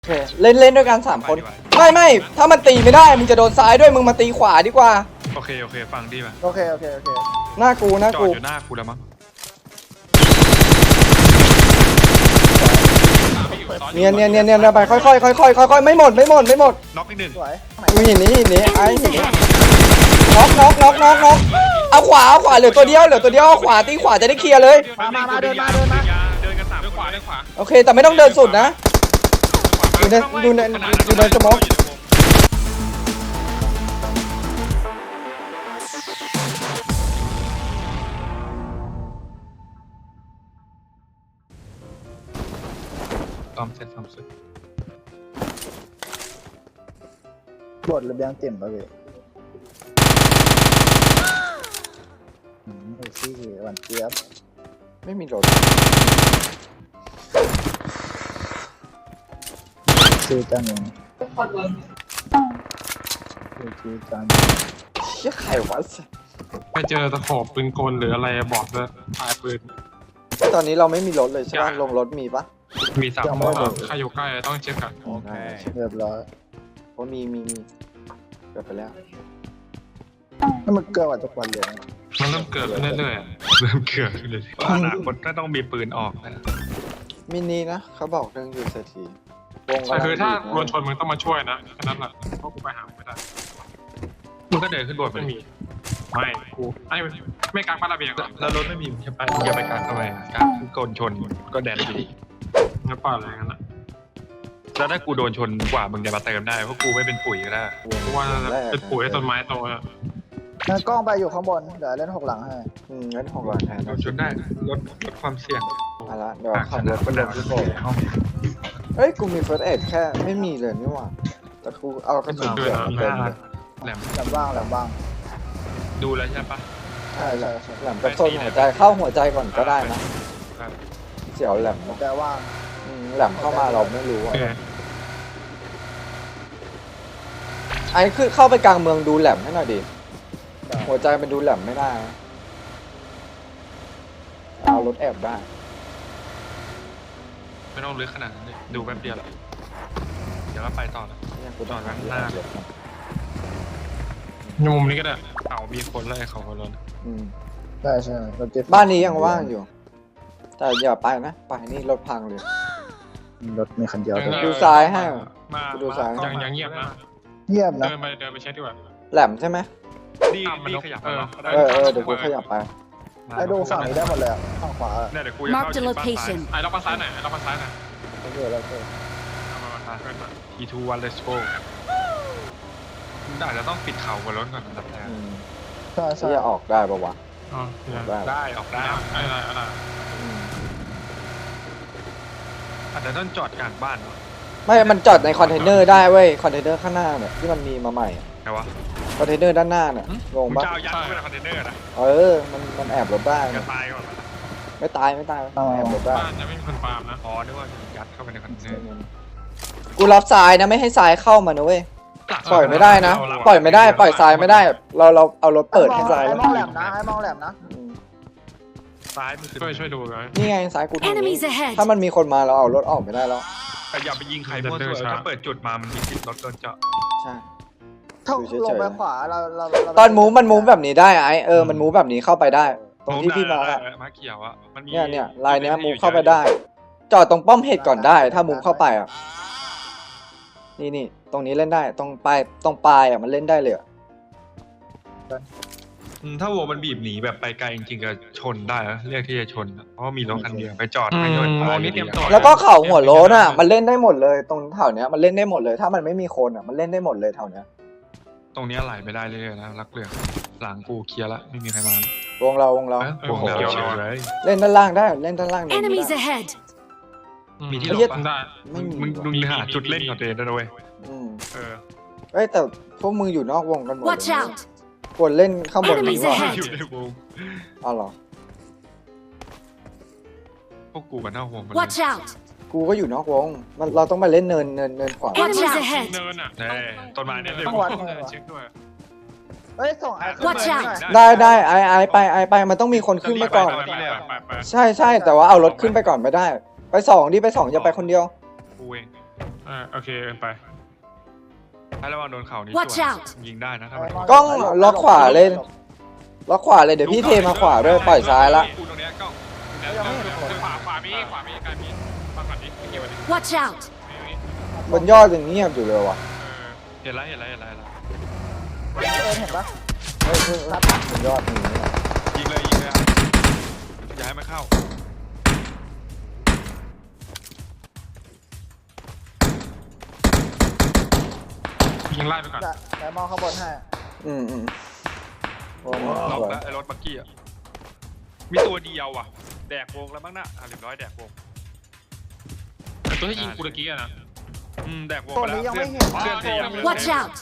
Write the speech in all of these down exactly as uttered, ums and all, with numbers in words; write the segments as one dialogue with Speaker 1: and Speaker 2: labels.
Speaker 1: โอเคเล่นเล่นด้วยกันสามคนไม่ไม่ถ้ามันตีไม่ได้มึงจะโดนซ้ายด้วยมึงมาตีขวาดีกว่า
Speaker 2: โอเคโอเคฟังดีป่ะ
Speaker 3: โอเคโอเคโอเค
Speaker 1: หน้ากูหน้ากู
Speaker 2: จอดอยู่หน้ากูแล้วมั้ง
Speaker 1: เนียนเนียนเนียนเนียนไปค่อยค่อยค่อยค่อยค่อยค่อยไม่หมดไม่หมดไม่หมด
Speaker 2: น็อกอีกหนึ่ง
Speaker 3: สวย
Speaker 1: มึงเห็นนี้เห็นนี้ไอ้เห็นนี้น็อกน็อกน็อกน็อกน็อกเอาขวาเอาขวาเหลือตัวเดียวเหลือตัวเดียวเอาขวาตีขวาจะได้เคลียร์เลย
Speaker 3: มามามาเดินมาเดินมา
Speaker 2: เดินกันสามเดินขวาเดินขวา
Speaker 1: โอเคแต่ไม่ต้องเดินสุดนะอยู่ในอยู่ในอยู่ในสมอง
Speaker 2: ตอมเสร็จตอมเสร็จ
Speaker 3: บทระเบียงเต็มป่ะพี่อืมไอ้ซี่หวานเจี๊ยบ
Speaker 1: ไม่มีรถ
Speaker 3: ซื้อจานหนึ่งซื้อจาน
Speaker 1: เชี่ยใครวะ
Speaker 4: ไปเจอตะขอบปืนกลหรืออะไรบอกด้วยปลายปืน
Speaker 1: ตอนนี้เราไม่มีรถเลยใช่ป่ะลงรถมีปะ
Speaker 2: มีสาม
Speaker 4: ใครอยู่ใกล้ต้องเช็คกัน
Speaker 1: โอเค
Speaker 3: เรียบร้อย
Speaker 1: เพราะมีมีมีเกิดไปแล้ว
Speaker 3: ถ้ามันเกิดว่าทุกวันเลย
Speaker 4: มันเริ่มเกิดขึ้นเรื่อย
Speaker 2: เริ่มเกิดเลยอนาคตก็ต้องมีปืนออกนะ
Speaker 1: มินีนะเขาบอกเรื่องยูเซทีวง
Speaker 4: ๆแต่คือถ้าโดนชนมึงต้องมาช่วยนะแค่นั้นแหละเพราะกูไปหาไม่ได้
Speaker 2: มึงก็เดินขึ้นบนไป
Speaker 4: ไม่มีไม่กูไอ้ไม่กลางบ้านระเบียง
Speaker 2: แล้วรถไม่มีมึงจะไปมึงจะไปกลางทำไมกลางโกนชนก็แดนดี
Speaker 4: งั้นปล่อยอะไรงั้นอ่ะ
Speaker 2: แล้วถ้ากูโดนชนกว่ามึงจะมาเติมได้เพราะกูไม่เป็นปุ๋ยก็ได้
Speaker 4: เพราะว่าเป็นปุ๋ยให้ต้นไม้โตอ่ะ
Speaker 3: งั้นกล้องไปอยู่ข้างบนเดี๋ยวเล่นหกหลังให้
Speaker 1: อืมงั้นหกหลังแทน
Speaker 2: โดนชนได้ลดลดความเสี่ยง
Speaker 1: เอาละเดี๋ยวขับรถไป
Speaker 2: ก็
Speaker 1: ล
Speaker 2: เดิ
Speaker 1: ง
Speaker 2: น
Speaker 1: ที่
Speaker 2: ขึ้น
Speaker 1: โบ
Speaker 2: ไปห้อง
Speaker 1: เฮ้ยกูมีเฟิร์สเอ็ดแค่ไม่มีเลยนี่หว่าแต่กูเอากระสุนเขียวมาเต็มเลย
Speaker 2: แหลม
Speaker 3: แหลมบ้างแหลมบ้าง
Speaker 2: ดูแล้วใช่ปะ
Speaker 1: ใช่ใช่ใช่แหลมกระสุนหัวใจเข้าหัวใจก่อนก็ได้นะเสียวแหลม
Speaker 3: แต่ว่าง
Speaker 1: อืมแหลมเข้ามาเราไม่รู้อะไอ้คือเข้าไปกลางเมืองดูแหลมให้หน่อยดิหัวใจมันดูแหลมไม่ได้นะเอารถแอบได้
Speaker 2: ไม่ต้องลึกขนาดนั้นเลยดูแป๊บเดียวแหละเดี๋ยวก็ไปต่อแล้ว
Speaker 1: เนี่ยกูต้อง
Speaker 2: จอดข้างหน้า
Speaker 4: ในมุมนี้ก็ได้
Speaker 2: เขามีคนไล่เขาคนรถ
Speaker 1: อืม
Speaker 3: ได้ใช่เราเจ็บ
Speaker 1: บ้านนี้ยังว่างอยู่ แต่อย่าไปนะไปนี่รถพังเลย
Speaker 3: รถมีคันเดียว
Speaker 1: ดูซ้ายให้
Speaker 4: มา
Speaker 1: ดูซ้าย
Speaker 4: ยังยังเงียบนะ
Speaker 3: เงียบนะ
Speaker 4: เดินไปเดินไปเช็คดีกว่า
Speaker 1: แหลมใช่ไหม
Speaker 2: ดีดีขยับมาเนาะ
Speaker 1: เออเออเดี๋ยวกูขยับไป
Speaker 3: ไอ้ดูฝั่งนี้ได้หมดเลยฝั่งขวา
Speaker 2: เนี่ยเดี๋ยวกูจะเข้า
Speaker 5: Marked a
Speaker 2: ที่บ้านซ้าย
Speaker 5: location.
Speaker 4: ไอ้เราไปซ้ายหน่อยไอ้เราไปซ้ายหน่อย
Speaker 3: โอเคแล้วโอเค
Speaker 4: เอามามาเพื่อนมา
Speaker 2: ทีทูวันเลสโก้อาจจะต้องปิดเข่าบนรถก่อนอันดับแรก
Speaker 1: อืม
Speaker 3: ใช่ใช่
Speaker 1: ที่จะออกได้ปะวะ
Speaker 4: อ๋อ
Speaker 1: ได้
Speaker 2: ได้ออกได้
Speaker 4: ไอ้อะไรอะไร
Speaker 1: อืม
Speaker 2: อาจจะต้องจอดกลางบ้านเนาะ
Speaker 1: ไม่มันจอดในคอนเทนเนอร์ได้เว้ยคอนเทนเนอร์ข้างหน้าเนี่ยที่มันมีมาใหม่อะ
Speaker 2: ไงวะ
Speaker 1: คอนเทนเนอร์ด้านหน้าเนี่ยงง
Speaker 2: มึง
Speaker 1: ปะ
Speaker 2: จะเอายัดเข้าไปในคอนเทนเนอร์นะ
Speaker 1: เออมันมันแอบรถได้
Speaker 2: จะ
Speaker 1: เนี่ย
Speaker 2: ตายก่อนนะ
Speaker 1: ไม่ตายไม่ตายแอบรถได้
Speaker 4: บ้านจะไม่มีคนฟาร์มนะ
Speaker 2: อ๋อนึกว่ายัดเข้าไปในคอนเทนเนอร์
Speaker 1: กูรับทรายนะไม่ให้ทรายเข้ามานะเว้ยปล่อยไม่ได้นะปล่อยไม่ได้ปล่อยทรายไม่ได้ เราเราเอารถเปิดให้ทราย
Speaker 3: ไอ้
Speaker 1: แล้ว
Speaker 3: มองแหลมนะไอ้มองแหลมนะ
Speaker 1: อืม
Speaker 2: ซ้ายมันคือ
Speaker 4: ช่วยช่วยดูหน่อย
Speaker 1: นี่ไงทรายกูทางนี้
Speaker 5: Enemies ahead.
Speaker 1: ถ้ามันมีคนมาเราเอารถออกไม่ได้แล้ว
Speaker 2: แต่อย่าไปยิงใครมั่วตัวถ้าเปิดจุดมามันมีสิทธิ์รถโดนเจาะ
Speaker 1: ใช่
Speaker 3: ถ้า
Speaker 1: ดูเฉยๆ
Speaker 3: ลงไปขวาเราเราเรา
Speaker 1: ตอนมูฟมันมูฟแบบนี้ได้ไอ้เออมันมูฟแบบนี้เข้าไปได้ ตรงที่พี่มาอะ
Speaker 2: มาเขียวอ่ะมันมี
Speaker 1: เนี่ยเนี่ยลายเนี้ยมูฟเข้าไปได้ จอดตรงป้อมเห็ดก่อนได้ ถ้ามูฟเข้าไปอ่ะนี่นี่ตรงนี้เล่นได้ตรงปลายตรงปลายอ่ะมันเล่นได้เลยอะ
Speaker 2: อืมถ้าวงมันบีบหนีแบบไปไกลจริงๆก็ชนได้นะเรียกที่จะชนนะเพราะว่ามีรถคันเดียวไปจอดให้โดนตายนี่เตรียมตัว
Speaker 1: แล้วก็เข่าหัวโล้นอ่ะมันเล่นได้หมดเลยตรงแถวเนี้ยมันเล่นได้หมดเลย ถ้ามันไม่มีคนอ่ะมันเล่นได้หมดเลยแถวเนี้ย
Speaker 2: ตรงนี้ไหลไม่ได้เลยนะรักเรือหลังกูเคลียร์ละไม่มีใครมาว
Speaker 1: งเราวงเรา
Speaker 2: วงเราเฉยเลย
Speaker 1: เล่นด้านล่างได้เล่นด้านล่างได้
Speaker 5: Enemies ahead.
Speaker 2: มีที่
Speaker 1: ไอ้
Speaker 2: หล
Speaker 1: เหี้ย
Speaker 2: บปะ
Speaker 4: ได้
Speaker 1: ไม่มี
Speaker 2: มึงมึงหาจุดเล่นก่อนเดนนะเว้ย
Speaker 1: อืม
Speaker 2: เออ
Speaker 1: เอ้ยแต่พวกมึงอยู่นอกวงกันหมดเลย
Speaker 5: Watch
Speaker 1: นะ
Speaker 5: out.
Speaker 1: ควรเล่นข้างบนดี
Speaker 5: Enemies
Speaker 1: กว่า
Speaker 5: ahead
Speaker 2: อยู่ในวง
Speaker 1: อ๋อเหรอ
Speaker 2: พวกกูกันหน้าวง
Speaker 5: Watch out.
Speaker 1: กูก็อยู่นอกวงมันเราต้องมาเล่นเนินเนินเนินขวา
Speaker 5: Enemies
Speaker 4: Watch
Speaker 5: ahead.
Speaker 4: เนินอ่ะ
Speaker 2: แน่ต้นไม้เนี่ยเลย
Speaker 3: ต้องวัดมือ
Speaker 4: เช็คด้วย
Speaker 3: เฮ้ยส่งไอ้ขึ้น
Speaker 5: Watch
Speaker 3: มา
Speaker 5: out
Speaker 3: หน่อย
Speaker 1: ได้ได้ไอไอไปไอไปมันต้องมีคนขึ้นไปก่อน
Speaker 4: ไปไปไป
Speaker 1: ใช่ใช่แต่ว่าเอารถขึ้นไปก่อนไม่ได้ ไปสองดิไปสองอย่าไปคนเดียว
Speaker 2: กูเอง
Speaker 4: อ่าโอเคเอินไป
Speaker 2: ให้ระวังโดนเข่านี้
Speaker 5: Watch
Speaker 2: ส่วน
Speaker 5: out
Speaker 2: ยิงได้นะถ้ามัน
Speaker 1: กล้องล็อกขวาเลยล็อกขวาเลยเดี๋ยวพี่เทมาขวาด้วยปล่อยซ้ายละ
Speaker 2: กูตรงเนี้ยกล้อง
Speaker 4: เดี๋ยวเดี๋ยวเดี๋ยวขวาขวามีขวามีการมีฟังก่อนดิไม่เกี่ยวดิ
Speaker 5: Watch out!
Speaker 4: ไม่มี
Speaker 1: บนยอดยังเงียบอยู่เลยว่ะ
Speaker 4: เออ
Speaker 2: เห็นแล้วเห็นแล้วเห็นแล้วเห็นแล้ว
Speaker 3: เออเห็นปะ
Speaker 1: เฮ้ยเฮ้ยเฮ้ยบนยอดมีเนี่ย
Speaker 2: ยิงเลยยิงเลยอะอย่าให้มันเข้า
Speaker 4: ยิงไล่ไปก่อน
Speaker 3: จะแต่มองข้างบนให้
Speaker 1: อืมอืมโอ้โห
Speaker 2: ล็อก
Speaker 1: สวย
Speaker 2: แล้วไอ้รถบักกี้อะมีตัวเดียวอ่ะแดกวงแล้วมั้งน่ะอ่ะเรียบร้อยแดกวง
Speaker 4: แต่ตัวที่ยิงกูตะกี้อะนะ
Speaker 2: อืมแดกวง
Speaker 3: ตัว
Speaker 2: ไปแล้ว
Speaker 3: นี้ยัง
Speaker 2: เพื่อ
Speaker 3: ไม่
Speaker 2: น
Speaker 3: เห็น
Speaker 2: เพื่อนพยายาม
Speaker 5: Watch out!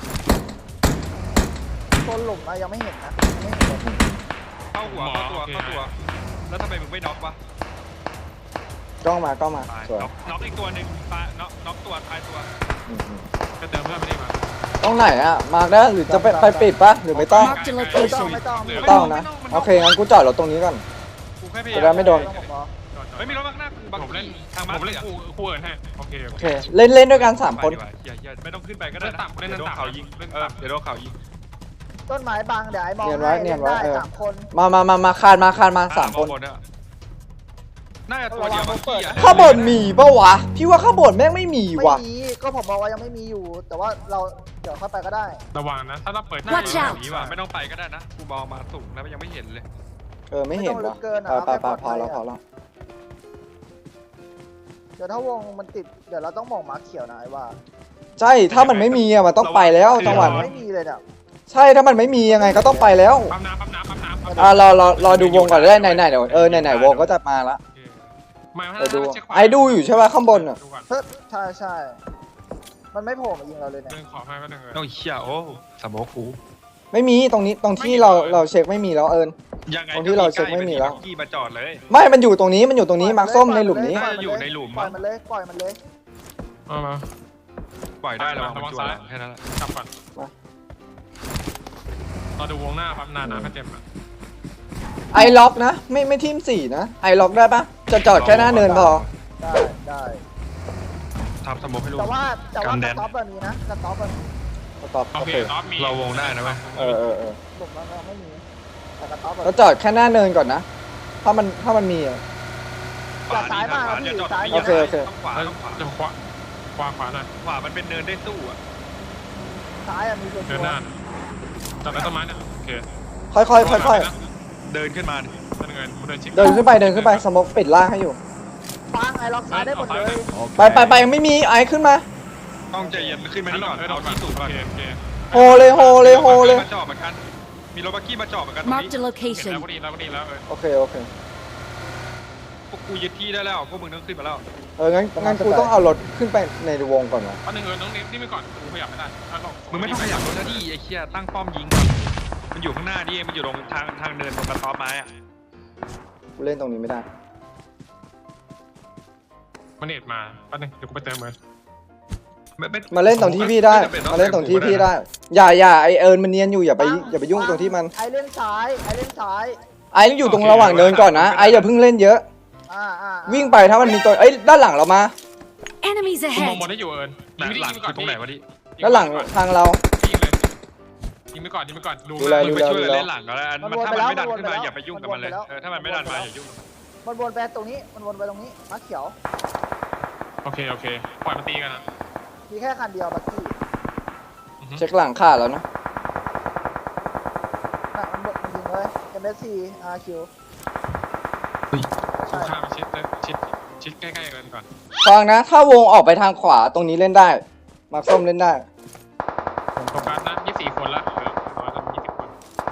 Speaker 3: ตัวหลุมอะยังไม่เห็นนะยังไม่เห็นเลย
Speaker 2: เข้าหัวเข้าตัวเข้าตัว แล้วทำไมมึงไม่น็อกวะ
Speaker 1: กล้องมากล้องมา
Speaker 2: ตาย
Speaker 1: สวย
Speaker 2: น็อกน็อกอีกตัวหนึ่งตายน็อกน็อกตัวตายตัว
Speaker 1: อืมอืม
Speaker 4: ก็เติมเพื่อนไม่ได้มา
Speaker 1: ตรงไหนอะมาร์กได้หรือจะไปไปปิดปะหรือไม่ต้อง
Speaker 5: Marked a
Speaker 3: ไม่ต้อง
Speaker 5: location.
Speaker 3: ไม่ต้อง
Speaker 1: ไม่ต้องนะโอเคงั้นกูจอดรถตรงนี้ก่อน
Speaker 2: กูแค่พยา
Speaker 1: จะ
Speaker 2: ยาม
Speaker 1: ได้ไม่โดน
Speaker 3: ผมบอก
Speaker 2: เฮ้ยมีรถบักหน้ากูบัก
Speaker 4: ผมเล่น
Speaker 2: ทาง
Speaker 4: ผ
Speaker 2: มาม
Speaker 4: เล่น
Speaker 2: ย
Speaker 4: คู่คู่เอินให้โอเคโอ
Speaker 1: โอ
Speaker 4: เค
Speaker 1: เคเล่นเล่นด้วยกันสามคน
Speaker 2: ไปดีกว่อย่าอย่าไม่ต้องขึ้นไปก็ได้
Speaker 4: เล่น
Speaker 2: นะ
Speaker 4: ต่ำเล่น
Speaker 2: เดี๋ยวโดน
Speaker 4: ต่ำ
Speaker 2: เขายิง
Speaker 4: เล่น
Speaker 2: เออ
Speaker 4: ต่ำ
Speaker 2: เดี๋ยวโดนเขายิง
Speaker 3: ต้นไม้บังเดี๋ยวไอ้มอง
Speaker 1: เนียนไว้
Speaker 3: ให้
Speaker 1: เนีย
Speaker 3: เล่
Speaker 1: น
Speaker 3: น
Speaker 1: ไว้
Speaker 3: ได้
Speaker 1: เออ
Speaker 3: สามคน
Speaker 1: มามามามาคานมาคานมาสามคน
Speaker 2: อ่ะบนอะน่าจะตัวเดียวบักกี้อะ
Speaker 1: ข้างบนมีปะวะพี่ว่าข้างบนแม่งไม่มี
Speaker 3: ไม่
Speaker 1: ว่ะ
Speaker 3: มีก็ผมบอกว่ายังไม่มีอยู่ แต่ว่าเราเดี๋ยวเข้าไปก็ได้
Speaker 4: ระวังนะถ้าเราเปิด
Speaker 2: น่า
Speaker 5: Watch
Speaker 2: จะ
Speaker 5: out
Speaker 2: แบบนี้ว่ะไม่ต้องไปก็ได้นะกูมองมาสูงแล้วยังไม่เห็นเลย
Speaker 1: เออไม่เห็น
Speaker 3: ไม่ต้
Speaker 1: ว่ะ
Speaker 3: องลึกเกินอะ
Speaker 1: ไปไป
Speaker 3: เอาแค่
Speaker 1: ไปพอแล้ว
Speaker 3: ปลอดภัยอะ
Speaker 1: พอแล้ว
Speaker 3: เดี๋ยวถ้าวงมันติดเดี๋ยวเราต้องมองมาร์คเขียวนะไอ้ว่า
Speaker 1: ใช่ถ้ามันไม่มีอะมันต้องไปแล้วจังหวะนี้
Speaker 3: ไม่มีเลยเนี่ย
Speaker 1: ใช่ถ้ามันไม่มียังไงก็ต้องไปแล้ว
Speaker 4: ปั๊มน้ำปั๊มน้ำปั๊มน้ำปั๊ม
Speaker 1: อ่ะรอรอรอดูวงก่อนได้ไหนไหนเดี๋ยวเออไหนไหนวงก็จะมาละ
Speaker 4: มา
Speaker 1: เดี๋ยวดูไอ้ดูอยู่ใช่ป่ะข้างบนอะ
Speaker 4: ดูก่อน
Speaker 3: เฮ้ยใช่ใช่มันไม่โผล่มายิงเราเลยเนี่ย
Speaker 4: เดินขอให้ก็เดินเลย
Speaker 2: โอ้ยเชี่ยโอ้สมองกู
Speaker 1: ไม่มีตรงนี้ตรงที่เราเราเช็คไม่มีแล้วเอิญ
Speaker 2: ยังไง
Speaker 1: ตรงที่เราเช็คไม่มีแล้ว
Speaker 2: บักกี้มาจอดเลย
Speaker 1: ไม่มันอยู่ตรงนี้มันอยู่ตรงนี้มาร์คส้มในหลุมนี้
Speaker 2: น่าจะอยู่ในหลุม
Speaker 3: ปล่
Speaker 2: มั้
Speaker 3: อย
Speaker 2: ง
Speaker 3: มันเลยปล่อยมันเลย
Speaker 4: เอามา
Speaker 2: ปล่อยได้ระวัง
Speaker 4: ระวั
Speaker 2: มัน
Speaker 4: ง
Speaker 2: จั่ว
Speaker 4: ซ้าย
Speaker 2: หลังแค่นั้นแหละ
Speaker 4: กลับก่อน
Speaker 1: มา
Speaker 4: เราดูวงหน้าปั๊มนานๆก็เต็มอ่ะ
Speaker 1: ไอล็อกนะไม่ไม่ทีมสี่นะไอล็อกได้ปะจะจอดแค่หน้าเนินพอ
Speaker 3: ได้ได้
Speaker 2: ทำสมองให้รู้
Speaker 3: แต่ว่าแต่ว่า
Speaker 2: กัน
Speaker 3: ก
Speaker 2: แด
Speaker 3: ระ
Speaker 2: น
Speaker 3: ต๊อบแบบนี้นะกระต๊อบแบบนี้
Speaker 1: ตอบ
Speaker 4: โอ
Speaker 1: โอ
Speaker 4: เค
Speaker 1: เค
Speaker 4: ท็อปมี
Speaker 2: เราวงได้นะเว้ย
Speaker 1: เออเออเออ
Speaker 3: หลุมแล้วก็ไม่มีแต่กระต๊อบแบบ
Speaker 1: เราจอดแค่หน้าเนินก่อนนะถ้ามันถ้ามันมีอะ
Speaker 3: อย่าซ้ายมาก
Speaker 2: ขว
Speaker 3: นะพี่
Speaker 2: อย่จอด
Speaker 3: ซ้าย
Speaker 2: ตรงนี้
Speaker 1: โอเคโอเค
Speaker 2: ต้องขวาต้องขวา
Speaker 4: จะขวาขวาขวาหน่อย
Speaker 2: ขวามันเป็นเนินได้สู้อ่ะ
Speaker 3: ซ้ายอะมีตัว
Speaker 4: เดินหน้าจับได้ต้นไม้เนี่ยโอเค
Speaker 1: ค่อยค่อยค่อยค่อย
Speaker 2: เดินขึ้นมาดิ
Speaker 4: เดินเงินเดินชิด
Speaker 1: เดินขึ้นไปเดินขึ้นไปสมกปิดล่างให้อยู่
Speaker 3: ฟังไอ้ล็อกซ้ายได้หมดเลย
Speaker 1: ไปไปไปยังไม่มีไอขึ้นมา
Speaker 2: ต้องใจเย็นขึ้นมานี่ก่อนเอาที่สูงก่อน
Speaker 4: โอเคโอเค
Speaker 1: โฮเลยโฮเลยโฮเลย
Speaker 2: มาจอดเหมือนกันมีรถบักกี้มาจอดเหมือนกันตรงนี้
Speaker 5: Marked a
Speaker 4: เห็นแล้ว
Speaker 5: location.
Speaker 4: ก็ดีแล้วก็ดีแล้วเออ
Speaker 1: โอเคโอเค
Speaker 2: พวกกูยึดที่ได้แล้วพวกมึงต้องขึ้นมาแล้ว
Speaker 1: เอองั้นงั้นกูต้องเอารถขึ้นไปในวงก่อนวะ
Speaker 4: อันหนึ่งเออน้องนิดนี่ไปก่อนกูขยับไม่ได้อ่ะลอง
Speaker 2: มึงไม่ต้องขยับรถนะดิไอ้เชี่ยตั้งป้อมยิงก่อนมันอยู่ข้างหน้าดิมันอยู่ตรงทางทางเดินตรงกระต๊อบไม้อ่ะ
Speaker 1: กูเล่นตรงนี้ไม่ได้
Speaker 4: มันเน็ตมาแป๊บนึงเดี๋ยวกูไปเติมเงิน
Speaker 2: ไม่ไม่
Speaker 1: มาเล่นตรงที่พี่ได้ มาเล่นตรงที่พี่ได้ อย่าอย่าไอเอิญมันเนียนอยู่อย่าไปอย่าไปยุ่งตรงที่มัน
Speaker 3: ไอ้เล่นซ้ายไอ้เล่นซ้าย
Speaker 1: ไอต้องอยู่ตรงระหว่างเดินก่อนนะไออย่าเพิ่งเล่นเยอะ
Speaker 3: อ่าอ่า
Speaker 1: วิ่งไปถ้ามันมีตัวเอ้ยด้านหลังเรามา
Speaker 5: Enemies
Speaker 4: กูมอง
Speaker 5: ahead!
Speaker 4: บอลได้อยู่เอิญ
Speaker 2: หลังหลังคือตรงไหนวะดิ
Speaker 1: ด้านหลังทางเรา
Speaker 4: ยิงเลยยิงไปก่อนยิงไปก่อนดู
Speaker 1: ดูแล
Speaker 2: มึงไปช่วยเล่นหลังก็แล้วมันถ้ามันไม่ดันขึ้นมาอย่าไปยุ่งกับมันเลยเออถ้ามันไม่ดันมาอย่ายุ่ง
Speaker 3: มันวนไปตรงนี้มันวนไปตรงนี้มาร์คเขียว
Speaker 4: โอเคโอเคปล่อยมันตีกันนะ
Speaker 3: มีแค่คันเดียวบักกี้
Speaker 1: เช็คหลังขาดแล้วนะ
Speaker 3: น่ะมันบดมันยิงเลย เอ็ม เอส ซี อาร์ คิว
Speaker 4: กู
Speaker 3: ใช่
Speaker 4: ข้ามชิดชิดชิดใกล้ๆกันก่อน
Speaker 1: ฟังนะ ถ้าวงออกไปทางขวาตรงนี้เล่นได้มาร์คส้มเล่นได้
Speaker 4: ผมโฟกัสนะยี่สิบสี่คนละเหลือร้อยละยี่สิบคน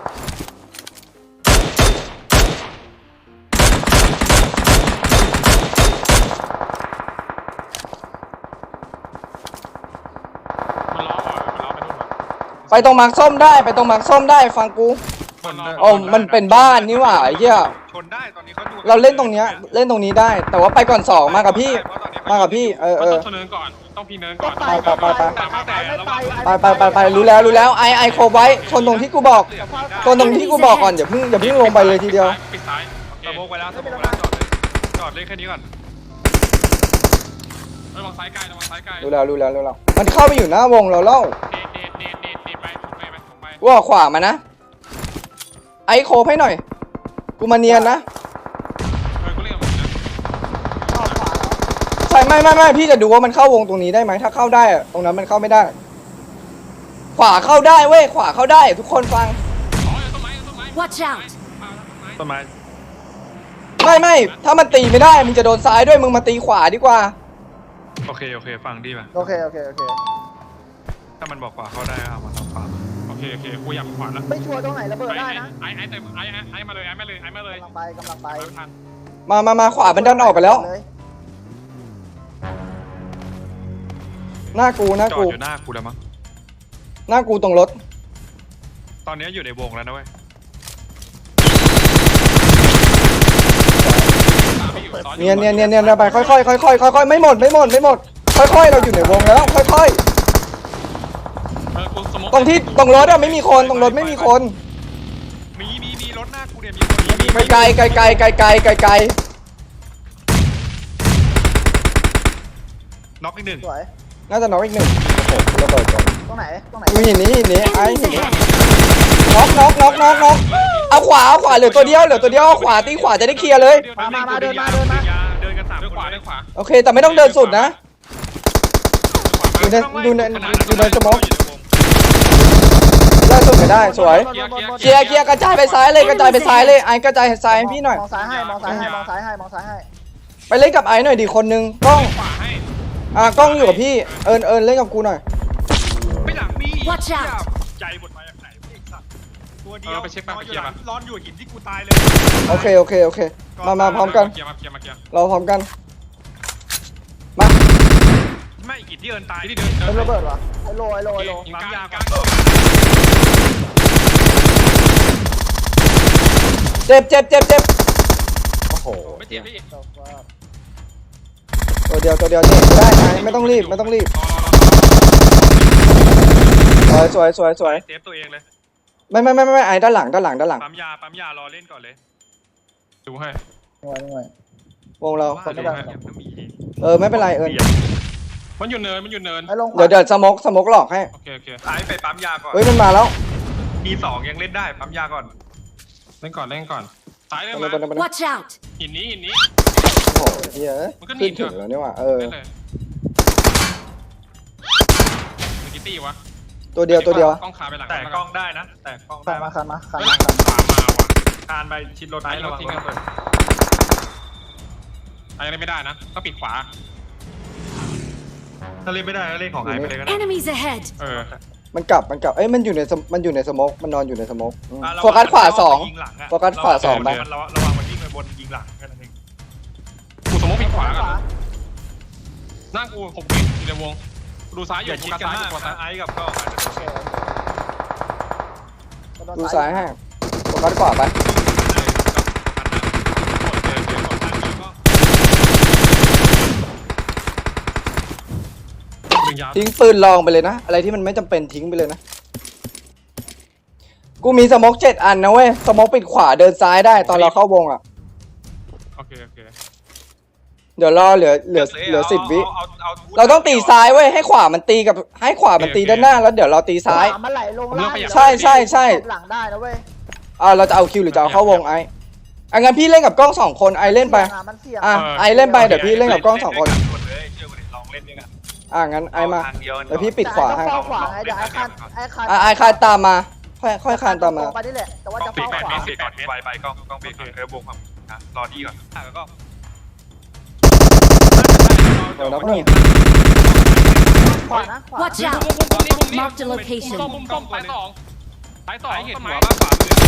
Speaker 4: มันล้อว่ะมันล้อไปนู่นว่ะ
Speaker 1: ไปตรงมาร์คส้มได้ไปตรงมาร์คส้มได้ฟังกู
Speaker 4: มันล้
Speaker 1: โอ้มันเป็นบ้านนี่หว่าไอ้เหี้ย
Speaker 2: ชนได้ตอนนี้เขาดู
Speaker 1: เราเล่นตรงเนี้ยเล่นตรงนี้ได้ แต่ว่าไปก่อนสองมากับพี่ มากับพี่เออ
Speaker 4: มัน
Speaker 1: เออ
Speaker 4: ต้องชนเนินก่อนต้องพีเนินก่อน
Speaker 1: ไปไปไปไป
Speaker 3: ไป
Speaker 1: ไปไปไปไปรู้แล้วรู้แล้วไอไอโคไว้ชนตรงที่กูบอกชนตรงที่กูบอกก่อนอย่าเพิ่งอย่าเพิ่งลงไปเลยทีเดียว
Speaker 4: ปิดซ้าย
Speaker 2: สมองไปแล้วสมองไปแล้วจอดเลยจอดเลยแค่นี้ก่อน
Speaker 4: ระวังซ้ายไกลระวังซ้ายไกล
Speaker 1: รู้แล้วรู้แล้วรู้แล้วมันเข้าไปอยู่หน้าวงเราแล้ว
Speaker 4: เด็ดเด็ดเด็ดเด็ดเด็ดไปถมไปไปถมไป
Speaker 1: กูออกขวามานะไอ้โคบให้หน่อยกูมาเนียนนะ
Speaker 4: เออกูเรียกมึงนะ
Speaker 3: ชอบขวาแล้ว
Speaker 1: ใช่ไม่ไม่ไม่พี่จะดูว่ามันเข้าวงตรงนี้ได้ไหมถ้าเข้าได้อะตรงนั้นมันเข้าไม่ได้ ขวาเข้าได้เว้ยขวาเข้าได้ทุกคนฟัง
Speaker 4: อ๋อต้นไม้ต้นไม้
Speaker 5: Watch out
Speaker 2: ต้นไม้
Speaker 1: ไม่ไม่ถ้ามันตีไม่ได้มึงจะโดนซ้ายด้วยมึงมาตีขวาดีกว่า
Speaker 2: โอเคโอเคฟังดีป่ะ
Speaker 3: โอเคโอเคโอเค
Speaker 2: ถ้ามันบอกขวาเข้าได้ก็เอามาทำขวา
Speaker 4: โอเคโอเคกูอยากขวาแล้ว
Speaker 3: ไม่ชัวร์ตรงไหนระเบิดได้นะ
Speaker 4: ไอ้ไอ้เต็มไอ้ไอ้ไอ้มาเลยไอ้มาเลยไอ้มาเลย
Speaker 3: กำลังไปกำลังไป
Speaker 4: ไปไม่ทัน
Speaker 1: มามามาขวามันดันออกไปแล้ว
Speaker 3: เลย
Speaker 1: หน้ากูหน้า
Speaker 2: จอ
Speaker 1: กู
Speaker 2: ดอยู่หน้ากูแล้วมั้ง
Speaker 1: หน้ากูตรงรถ
Speaker 2: ตอนนี้อยู่ในวงแล้วนะเว้ย
Speaker 4: ตามไม่อยู่ซ้อนอ
Speaker 1: เนียนเนียนเนียนเนียนไปค่อยค่อยค่อยค่อยค่อยค่อยไม่หมดไม่หมดไม่หมดค่อยค่อยเราอยู่ในวงแล้วค่อยค่อย
Speaker 4: เออกูสมมติ
Speaker 1: ตรงที่ตรงรถอะไม่มีคนตรงรถไม่มีคน
Speaker 2: มีมีมีรถหน้ากูเนี่ยมีคนมีมี
Speaker 1: ไกลไกลไกลไกลไกลไกลไกล
Speaker 2: น็อกอีกหนึ่ง
Speaker 3: สวย
Speaker 1: น่าจะน็อกอีกหนึ่งโอ้โหระเบิดก่อน
Speaker 3: ตรงไหนตรงไหน
Speaker 1: ดูหินนี้หินนี้ไอ้
Speaker 5: Enemies
Speaker 1: หินนี้
Speaker 5: ahead!
Speaker 1: น็อกน็อกน็อกน็อกน็อกเอาขวาเอาขวาเหลือตัวเดียวเหลือตัวเดียวเอาขวาตีขวาจะได้เคลียร์เลย
Speaker 3: มามามาเดินมาเดินมา
Speaker 2: เดินกันสาม
Speaker 4: เดิน
Speaker 2: ค
Speaker 4: ขวาน
Speaker 2: เล
Speaker 4: เดิ
Speaker 2: ย
Speaker 4: นขวา
Speaker 1: โอเคแต่ไม่ต้องเดินสุดนะ
Speaker 4: ขวา
Speaker 1: อยู่ในอยู่ในอยู่ในสมอง
Speaker 2: อยู่ในวง
Speaker 1: ได้สุดไม่ได้สวย
Speaker 3: บนบนบน
Speaker 1: เคลียร์เคลียร์กระจายไปซ้ายเลยกระจายไปซ้ายเลยไอ้กระจายซ้ายให้พี่หน่อย
Speaker 3: มองซ้ายให้มองซ้ายให้มองซ้ายให้มองซ้ายให้
Speaker 1: ไปเล่นกับไอ้หน่อยดิคนนึงกล้อง
Speaker 4: ขวาให้
Speaker 1: อ่ากล้องอยู่กับพี่เอิญเอิญเล่นกับกูหน่อย
Speaker 2: ไม่หลังมี
Speaker 5: Watch out
Speaker 2: ใจหมดมาจากไหนไอ้สัตว์ตัวเดี
Speaker 4: เอ
Speaker 2: ยว
Speaker 4: อไปเช็คไป
Speaker 2: นอน
Speaker 4: ไป
Speaker 2: อยู่
Speaker 4: เคลีย
Speaker 2: ห
Speaker 4: ร์
Speaker 2: ลั
Speaker 4: มาง
Speaker 2: ร้อนอยู่หินที่กูตายเลย
Speaker 1: โอเคโอเคโอเคมามาพร้อมกัน
Speaker 4: เคลียร์มาเคลียร์มาเคลียร์
Speaker 1: เราพร้อมกันมา
Speaker 2: ไม่หินที่เอินตาย
Speaker 4: ที่เดิน
Speaker 3: เป็น
Speaker 4: เดิน
Speaker 3: ระเบิดวะไอโลไอโลไอโล
Speaker 4: ยิงกลางยิงกลาง
Speaker 1: เจ็บเจ็บเจ็บเจ็บโอ้โห
Speaker 4: ไม่เจ็บพี่
Speaker 1: ตัวเดียวตัวเดียวเจ็บได้ไอ้ไม่ต้องรีบไม่ต้องรีบ
Speaker 4: รอรอรอ
Speaker 1: สวยสวยสวยสวย
Speaker 2: เซฟตัวเองเลย
Speaker 1: ไม่ไม่ไม่ไม่ไม่ไอ้ด้านหลังด้านหลังด้านหลัง
Speaker 2: ปั๊มยาปั๊มยารอเล่นก่อนเลย
Speaker 4: ดูให้
Speaker 3: หน่วยหน่วยว
Speaker 1: งเรา
Speaker 2: ว่าเดี๋ยวมันก็มี
Speaker 1: เออไม่เป็นไรเอิญ
Speaker 4: มันอยู่เนินมันอยู่เนิน
Speaker 3: ไอลง
Speaker 1: เดี๋ยวเดี๋ยวสมกสมกหลอกให้
Speaker 4: โอเคโอเค
Speaker 2: ไอ้ไปปั๊มยาก่อน
Speaker 1: เฮ้ยมันมาแล้ว
Speaker 2: มีสองยังเล่นได้ปั๊มยาก่อน
Speaker 4: เล่นก่อนเล่นก่อนซ้ายเล่น
Speaker 1: ไป
Speaker 4: มา
Speaker 1: ไปไปไป
Speaker 5: Watch out!
Speaker 4: หินนี้หินนี้
Speaker 1: โอ้โหเฮีย
Speaker 4: มันก็หนี
Speaker 1: ขึ้นถึงแล้วนี่หว่าเออ
Speaker 4: เล่นเลยมีกี่ตี้วะ
Speaker 1: ตัวเดียวตัวเดียว
Speaker 4: กล้องขาไปหลัง
Speaker 2: แต่กล้องได้นะ แต่กล้อง
Speaker 3: คั
Speaker 2: ได้
Speaker 3: นมาคันมาคัน
Speaker 4: ไปห
Speaker 3: มา
Speaker 4: ลัง
Speaker 3: คัน
Speaker 4: ขวามาว่ะ
Speaker 2: คานไปชิดรถ
Speaker 4: ซ้าย
Speaker 2: ไอ้
Speaker 4: ร
Speaker 2: ระ
Speaker 4: ถ
Speaker 2: วัง
Speaker 4: ทิ้ง
Speaker 2: ระ
Speaker 4: กัน
Speaker 2: เบิด
Speaker 4: ไอ้เล่นไม่ได้นะก็ปิดขวา
Speaker 2: ถ้าเล่นไม่ได้ก็เล่นของไอ้ไปเลยก็ได้
Speaker 5: Enemies ahead!
Speaker 4: เออ
Speaker 1: มันกลับมันกลับเอ้ยมันอยู่ในสมมันอยู่ในสมกมันนอนอยู่ในสมกอืม
Speaker 2: อ่ะระ
Speaker 1: โฟกัสขวาสอง
Speaker 2: ยิงหลัะ
Speaker 1: โฟกัสขวาสองไป
Speaker 2: มันระวังระวังมันวิ่งไปบนยิงหลังแค่นั้นเอง
Speaker 4: กูสมมติปิดขวากันหน้ากูหกเมตรอยู่ในวงดูซ้ายอ
Speaker 2: อย่ ย่า
Speaker 4: กู
Speaker 2: ชิด
Speaker 4: กั
Speaker 2: กัน
Speaker 4: ซ้าย
Speaker 2: มาก
Speaker 4: กูซ้าย
Speaker 2: นะไอ้กับกล้องอาจจะ
Speaker 3: โอเคโอเค
Speaker 1: ดูซ้ายให้โฟกัสขวาไป
Speaker 4: ดึงยาว
Speaker 1: ทิ้งปืนลองไปเลยนะอะไรที่มันไม่จำเป็นทิ้งไปเลยนะกูมีสมกเจ็ดอันนะเว้ยสมกปิดขวาเดินซ้ายได้ตอนเราเข้าวงอ่ะ
Speaker 4: โอเคโอเค
Speaker 1: เดี๋ยวรอเหลือเหลือเหลือสิบวิ
Speaker 2: อออ
Speaker 1: เราต้องตีซ้ายเว้ยให้ขวามันตีกับให้ขวามันตีด้านหน้าแล้วเดี๋ยวเราตีซ้าย
Speaker 3: ขวมันไหลลงล่าง
Speaker 1: ใช่ใช่ใช่
Speaker 3: หลังได้นะเว้ย
Speaker 1: อ่าเราจะเอาคิวหรือจะเอาเข้าวงไอ้อ่ะงั้นพี่เล่นกับกล้องสองคนไอเล่นไป
Speaker 3: มันเสี่ยง
Speaker 1: อ่ะไอเล่นไปเดี๋ยวพี่เล่นกับกล้องสองคน
Speaker 2: เลยเชื่อกูดิลองเล่นด้วยกัน
Speaker 1: อ่ะงั้นไอมา
Speaker 2: ทางเดียว
Speaker 1: เดี๋ยวพี่ปิดขวาให้
Speaker 3: แต่ไอ้ต้องเฝ้าขวาไงเดี๋ยวไอ้คานไอ้คาน
Speaker 1: อ่ะไอคานตามมาค่อยค่อยคานตามมา
Speaker 3: ตรงไปนี่แหละแต่ว่าจะ
Speaker 2: ปิด
Speaker 3: เฝ้า
Speaker 2: แปด
Speaker 3: ขวา
Speaker 2: เมตรปิดแปดเมตรไปไปกล้องกล้องเบรกเออวงความนะรอดีก่อนอ่ะแล้วก็
Speaker 1: เดี๋ยวนับหนึ่ง
Speaker 3: ขวานะขวา
Speaker 5: Watch
Speaker 4: มุม
Speaker 5: out!
Speaker 4: มุมมุมนี้มุมนี้
Speaker 5: Mark the
Speaker 4: มุม
Speaker 5: location
Speaker 4: ส้มมุมส้มสายสองสายสอง
Speaker 2: เห็น
Speaker 4: ต้น
Speaker 2: หั
Speaker 4: ไม้
Speaker 2: วบ้างขวามือ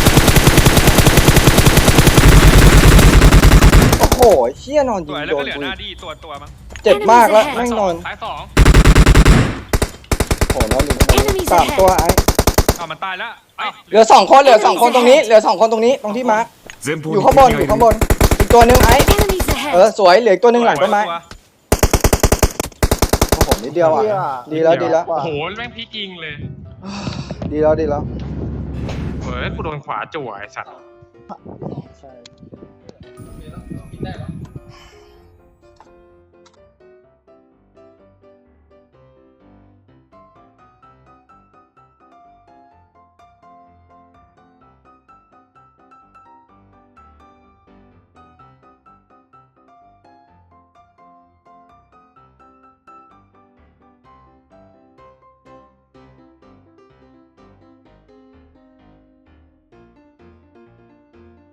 Speaker 1: โอ้โหเชี่ยนอน
Speaker 2: ส
Speaker 1: ยิง
Speaker 2: วยแล้ว
Speaker 1: โด
Speaker 2: ก็
Speaker 1: น
Speaker 2: เหลือ
Speaker 1: กู
Speaker 2: หน้าดีตัวตัวมั้ง
Speaker 1: เจ็บมากแล้วแม่งนอน
Speaker 4: สายสอง
Speaker 1: โอ้โหนอนอยู่สามตัวไอ
Speaker 2: อ้าวมันตายแล้วไอ้
Speaker 1: เหลือสองคนเหลือสองคนตรงนี้เหลือสองคนตรงนี้ตรงที่มาร์คอยู่ข้างบนอยู่ข้างบนอีกตัวหนึงไอ
Speaker 5: Enemies
Speaker 1: เออ
Speaker 5: ahead!
Speaker 1: สวยเหลืออีกตัวหนึงหลังต้นไม้โอ้โหนิดเดียวอ่ะดีแล้วดีแล้ว
Speaker 4: โอ้โหแม่งพีกิงเลย
Speaker 1: ดีแล้วดีแล้ว
Speaker 4: เฮ้ยกูโดนขวาจั่วไอ้สัตว์
Speaker 3: ใช่